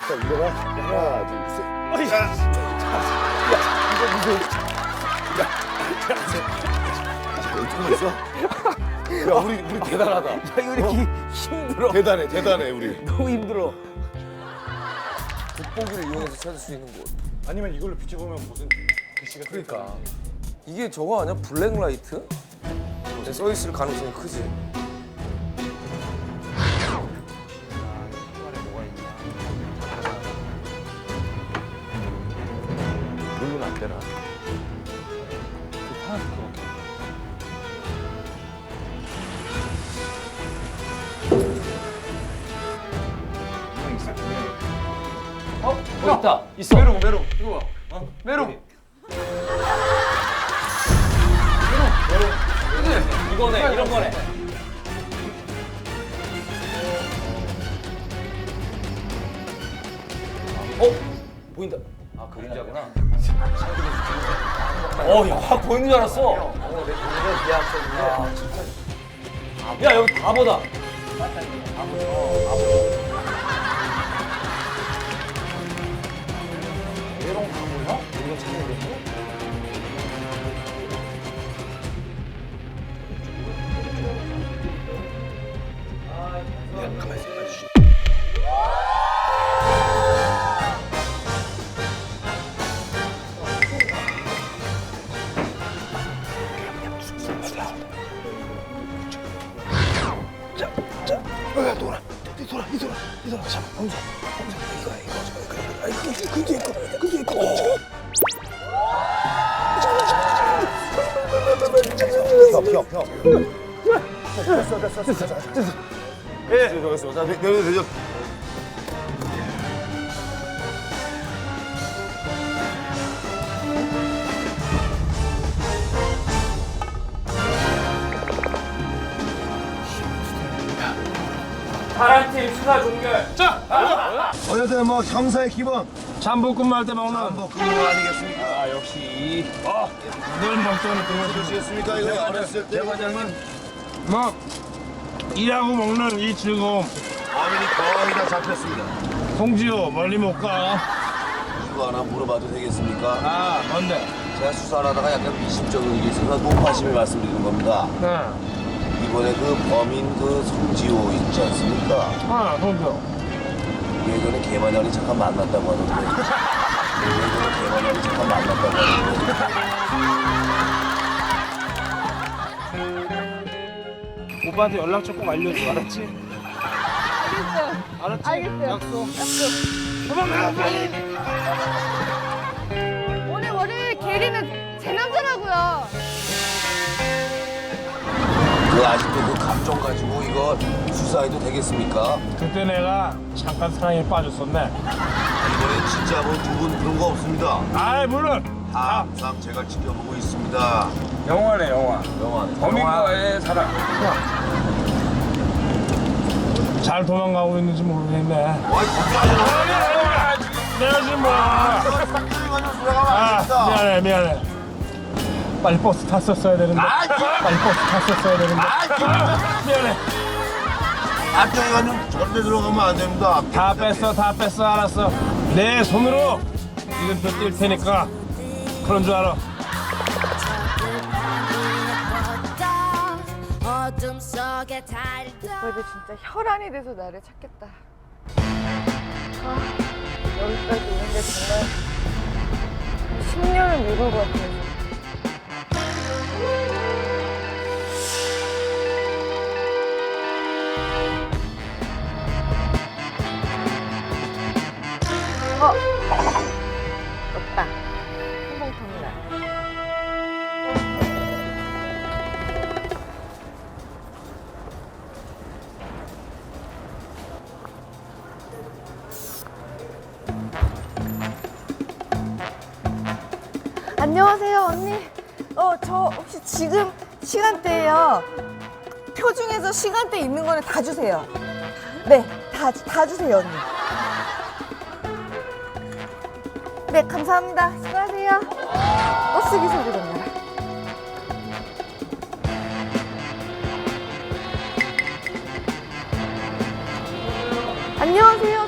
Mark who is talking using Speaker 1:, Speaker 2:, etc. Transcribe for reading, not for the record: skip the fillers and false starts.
Speaker 1: 자, 일어나. 하나, 둘, 셋.
Speaker 2: 어이.
Speaker 1: 야, 이거 무슨? 야, 이쪽만 있어? 야, 우리 대단하다.
Speaker 2: 야, 이거 이렇게 힘들어.
Speaker 1: 대단해, 우리.
Speaker 2: 너무 힘들어. 돋보기를 이용해서 찾을 수 있는 곳.
Speaker 3: 아니면 이걸로 비춰보면 무슨 글씨가
Speaker 2: 그러니까 이게 저거 아니야? 블랙라이트? 써 있을 가능성이 크지.
Speaker 1: 물론 안 되나?
Speaker 2: 있다. 있어.
Speaker 3: 메롱 이거 봐. 메롱.
Speaker 2: 이거네. 이런 거네. 보인다. 아, 그림자구나. 야, 확 보이는 줄 알았어. 야, 여기 바보다. 메롱 바보야? 우리가 찾는 거지?
Speaker 1: 가만히 있어, 아저씨. 돌아. 잡아, 혼자. 이거야, 이거. 그게 있고. 펴. 됐어. 예. 됐어. 자, 내려.
Speaker 2: 파란팀 수사 종결.
Speaker 1: 어쨌든 뭐 형사의 기본
Speaker 3: 잠복근무 할 때 먹는
Speaker 1: 한복 근무 아니겠습니까?
Speaker 3: 아 역시 늘 먹던 그거
Speaker 1: 그러시겠습니까? 이거 어렸을 때
Speaker 3: 대과장은 뭐 일하고 먹는 이 즐거움
Speaker 1: 범인이 거의 다 잡혔습니다.
Speaker 3: 홍지호 멀리 못가.
Speaker 1: 이거 하나 물어봐도 되겠습니까?
Speaker 3: 아 뭔데?
Speaker 1: 제가 수사를 하다가 약간 미심쩍은 게 있어서 높아심에 말씀드리는 겁니다. 이번에 그 범인 그 송지호 있지 않습니까?
Speaker 3: 홍지호
Speaker 1: 예전에 개만연이 잠깐 만났다고 하던데. 예전에 개만연이 잠깐 만났다고 하던데.
Speaker 3: 오빠한테 연락 조금 알려줘. 알았지? 알았지?
Speaker 4: 알겠어요.
Speaker 3: 약속.
Speaker 4: 약속. 오늘 월요일 게리는 제 남자라고요.
Speaker 1: 그 아직도 그 감정 가지고 이거 수사해도 되겠습니까?
Speaker 3: 그때 내가 잠깐 사랑에 빠졌었네.
Speaker 1: 이번엔 진짜 뭐 두 분 그런 거 없습니다.
Speaker 3: 아이 물론
Speaker 1: 항상 제가 지켜보고 있습니다.
Speaker 3: 영화네 영화.
Speaker 1: 영화.
Speaker 3: 범인과의 사랑. 잘 도망가고 있는지 모르겠네.
Speaker 1: 와이 걱정하지 마.
Speaker 3: 내가 지금 뭐야? 아 미안해. 빨리 버스 탔었어야 되는데. 빨리 버스 탔었어야 되는데. 미안해.
Speaker 1: 앞쪽에 가면 절대 들어가면 안 됩니다.
Speaker 3: 다 뺐어 알았어. 내 손으로 이름표 뛸 테니까 그런 줄 알아.
Speaker 4: 오빠도 진짜 혈안이 돼서 나를 찾겠다. 여기까지 오는 게 정말 10년을 묵을 것 같아요. 없다. 항공터미널. 안녕하세요, 언니. 저 혹시 지금 시간대예요. 표 중에서 시간대 있는 거는 다 주세요. 네, 다 주세요, 언니. 네, 감사합니다. 수고하세요. 버스 기사들 온다. 안녕하세요.